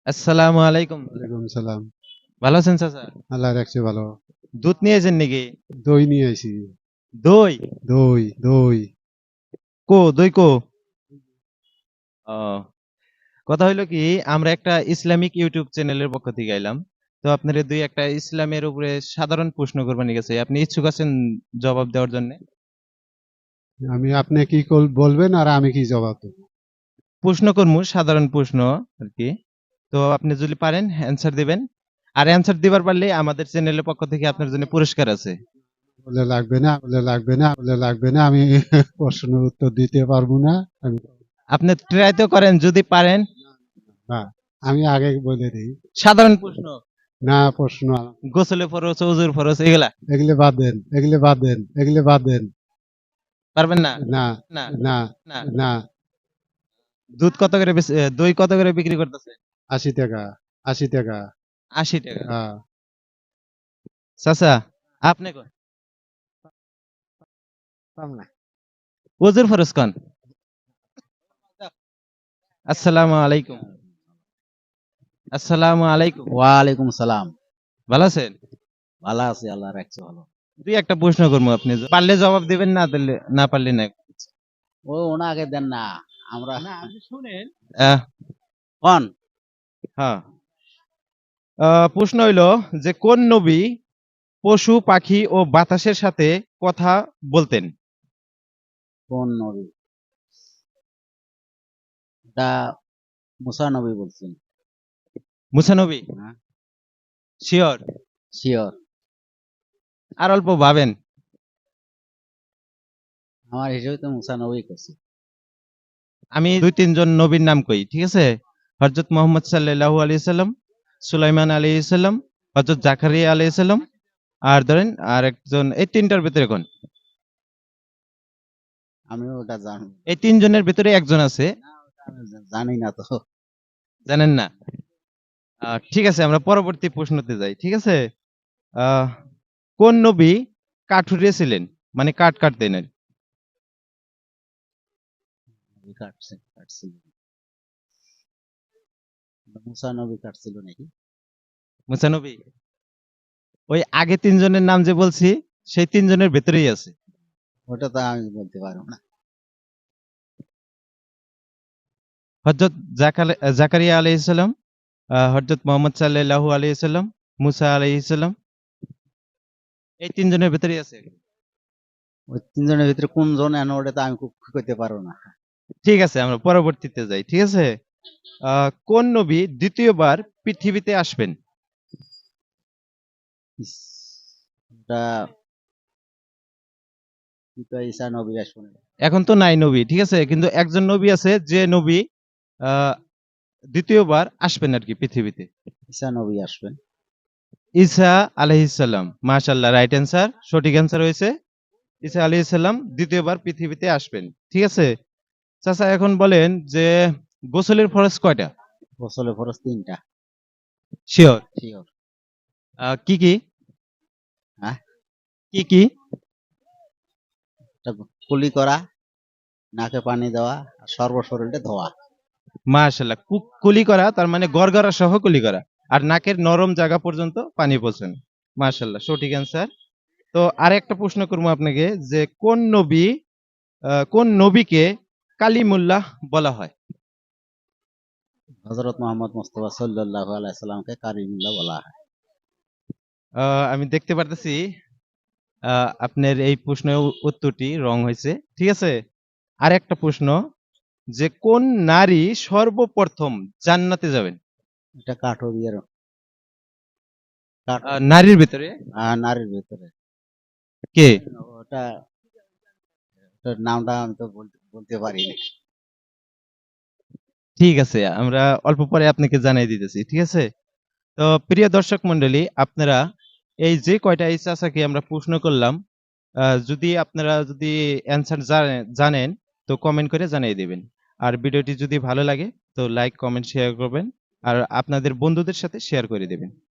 আসসালামু আলাইকুম। ওয়ালাইকুম সালাম। ভালো আছেন চাচা? আল্লাহ রাখছে ভালো। দুধ নিয়েছেন নাকি? দই নিয়ে আইছি। দই? দই। দই কো? ও, কথা হইলো কি, আমরা একটা ইসলামিক ইউটিউব চ্যানেলের পক্ষ থেকে আইলাম। তো আপনার দুই একটা ইসলামের উপরে সাধারণ প্রশ্ন করবানি গেছে। আপনি ইচ্ছুক আছেন জবাব দেওয়ার জন্য? আপনি কি বলবেন আর আমি কি জবাব দেব? প্রশ্ন করমু, সাধারণ প্রশ্ন আর কি। তো আপনি যদি পারেন অ্যান্সার দিবেন। আর অ্যান্সার দিবার পারলে আমাদের চ্যানেলের পক্ষ থেকে আপনার জন্য পুরস্কার আছে। বলে লাগবে না আমি প্রশ্নের উত্তর দিতে পারবো না। আমি আপনি ট্রাই তো করেন, যদি পারেন। না, আমি আগে বলে দিই। সাধারণ প্রশ্ন, না প্রশ্ন গোসলে ফরজ, ওযুর ফরজ, এগুলা এগুলো বাদ দেন। পারবেন না? না না, না না। না। দুধ কত করে দই কত করে বিক্রি করতেছে? 80 টাকা। 80 টাকা। 80 টাকা। হ্যাঁ। চাচা, আপনি কোন? পাম না। ওজুর ফরজ কোন? আসসালামু আলাইকুম। আসসালামু আলাইকুম। ওয়ালাইকুম সালাম। ভালো আছেন? ভালো আছি, আল্লাহ রাখছে ভালো। দুই একটা প্রশ্ন করবো, আপনি পারলে জবাব দিবেন, না দিলে না পারলে না। ওনাকে দেন না, আমরা আপনি শুনেন। কোন হ্যাঁ। প্রশ্ন হইলো যে কোন নবী পশু পাখি ও বাতাসের সাথে কথা বলতেন? কোন নবী? এটা মুসা নবী বলছেন। মুসা নবী? হ্যাঁ, শিওর? শিওর। আর অল্প ভাবেন। আমার হিসেবে তো মুসা নবী করছে। আমি দুই তিনজন নবীর নাম কই, ঠিক আছে? হযরত মুহাম্মদ সাল্লাল্লাহু আলাইহি সাল্লাম, সুলাইমান আলাইহিস সালাম, হযরত জাকারিয়া আলাইহিস সালাম, আর ধরেন আর একজন, এই তিনটার ভিতরে কোন? আমিও ওটা জানি। এই তিনজনের ভিতরে একজন আছে। না, ওটা আমি জানি না তো। জানেন না? ঠিক আছে, আমরা পরবর্তী প্রশ্নতে যাই, ঠিক আছে? আহ কোন নবী কাঠুরে ছিলেন, মানে কাঠ কাটতেন আর কি? কাটছিল। মুসা নবী কাটছিল নাকি? মুসা নবী? ওই আগে তিনজনের নাম যে বলছি, সেই তিনজনের ভেতরেই আছে। ওটা তো আমি বলতে পারবো না। হযরত জাকারিয়া আলাইহিস সালাম, হযরত মুহাম্মদ সাল্লাল্লাহু আলাইহি সাল্লাম, মুসা আলাইহিস সালাম, এই তিনজনের ভেতরেই আছে। ওই তিনজনের ভিতরে কোন জন এনে ওটা তো আমি খুব করতে পারবো না। ঠিক আছে, আমরা পরবর্তীতে যাই, ঠিক আছে? কোন নবী দ্বিতীয়বার পৃথিবীতে আসবেন? ইস, ওটা কি কয়, ঈসা নবী আসবে। এখন তো নাই নবী, ঠিক আছে, কিন্তু একজন নবী আছে যে নবী আহ দ্বিতীয়বার আসবেন আর কি পৃথিবীতে। ঈসা নবী আসবেন। ঈসা আলাইহিস সালাম। মাশাআল্লাহ, রাইট অ্যান্সার, সঠিক অ্যান্সার হয়েছে। ঈসা আলাইহিস সালাম দ্বিতীয়বার পৃথিবীতে আসবেন, ঠিক আছে? চাচা, এখন বলেন যে গোসলের ফরজ কয়টা? গোসলের ফরজ 3টা। শিওর? শিওর। কি কি? হ্যাঁ, কি কি? একটা কুলি করা, নাকে পানি দেওয়া, আর সর্বশরীরটা ধোয়া। মাশাআল্লাহ, কুলি করা, তার মানে গড়গড়া সহ কুলি করা, আর নাকের নরম জায়গা পর্যন্ত পানি পৌঁছানো। মাশাআল্লাহ, সঠিক অ্যান্সার। তো আর একটা প্রশ্ন করবো আপনাকে, যে কোন নবীকে কালিমুল্লাহ বলা হয়? হযরত মুহাম্মদ মুস্তাফা সাল্লাল্লাহু আলাইহি সাল্লামকে কারিমুল্লাহ বলা হয়। আমি দেখতে পারতেছি আপনার এই প্রশ্নের উত্তরটি রং হয়েছে, ঠিক আছে? আর একটা প্রশ্ন, যে কোন নারী সর্বপ্রথম জান্নাতে যাবেন? এটা কাঠুরিয়ার কাঠ নারীর ভিতরে নারীর ভিতরে। কে? ওটা ওটার নামটা আমি তো বলতে পারি না। ঠিক আছে, আমরা অল্প পরে আপনাকে জানিয়ে দিতেছি, ঠিক আছে? তো প্রিয় দর্শক মন্ডলী, আপনারা এই যে কয়টা এই চাচাকে আমরা প্রশ্ন করলাম, যদি আপনারা যদি অ্যান্সার জানেন, তো কমেন্ট করে জানিয়ে দিবেন। আর ভিডিওটি যদি ভালো লাগে, তো লাইক কমেন্ট শেয়ার করবেন, আর আপনাদের বন্ধুদের সাথে শেয়ার করে দিবেন।